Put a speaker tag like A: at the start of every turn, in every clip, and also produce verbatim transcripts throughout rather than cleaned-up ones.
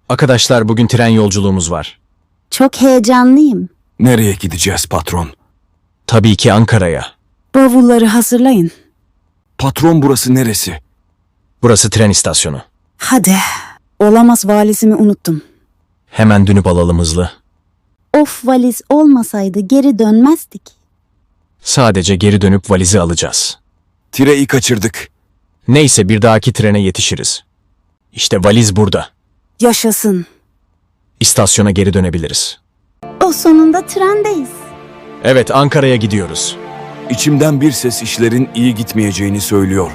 A: Arkadaşlar bugün tren yolculuğumuz var.
B: Çok heyecanlıyım.
C: Nereye gideceğiz patron?
A: Tabii ki Ankara'ya.
B: Bavulları hazırlayın.
C: Patron burası neresi?
A: Burası tren istasyonu.
B: Hadi. Olamaz, valizimi unuttum.
A: Hemen dönüp alalım hızlı.
B: Of, valiz olmasaydı geri dönmezdik.
A: Sadece geri dönüp valizi alacağız.
C: Tireyi kaçırdık.
A: Neyse bir dahaki trene yetişiriz. İşte valiz burada.
B: Yaşasın.
A: İstasyona geri dönebiliriz.
B: O sonunda trendeyiz.
A: Evet, Ankara'ya gidiyoruz.
C: İçimden bir ses işlerin iyi gitmeyeceğini söylüyor.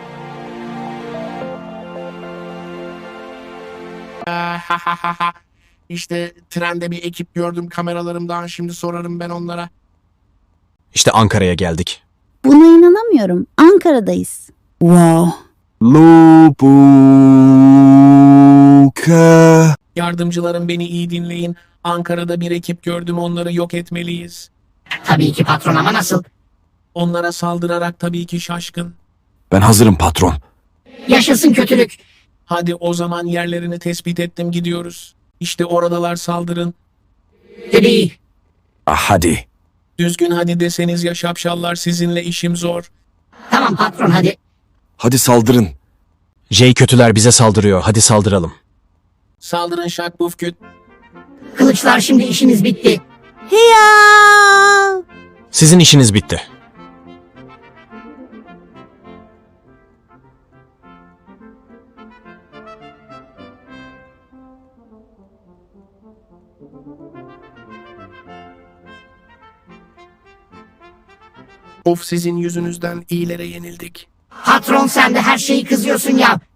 D: İşte trende bir ekip gördüm kameralarımdan, şimdi sorarım ben onlara.
A: İşte Ankara'ya geldik.
B: Buna inanamıyorum. Ankara'dayız. Wow.
C: Lubuka.
D: Yardımcılarım beni iyi dinleyin. Ankara'da bir ekip gördüm, onları yok etmeliyiz.
E: Tabii ki patron, ama nasıl?
D: Onlara saldırarak tabii ki şaşkın.
C: Ben hazırım patron.
E: Yaşasın kötülük.
D: Hadi o zaman yerlerini tespit ettim, gidiyoruz. İşte oradalar, saldırın.
E: Tabii.
C: Ah, hadi.
D: Düzgün hadi deseniz ya şapşallar, sizinle işim zor.
E: Tamam patron, hadi.
C: Hadi saldırın.
A: J kötüler bize saldırıyor. Hadi saldıralım.
D: Saldırın Şakbufküt.
E: Kılıçlar, şimdi işimiz bitti.
B: Hiya!
A: Sizin işiniz bitti.
D: Of, sizin yüzünüzden iyilere yenildik.
E: Patron, sen de her şeyi kızıyorsun ya.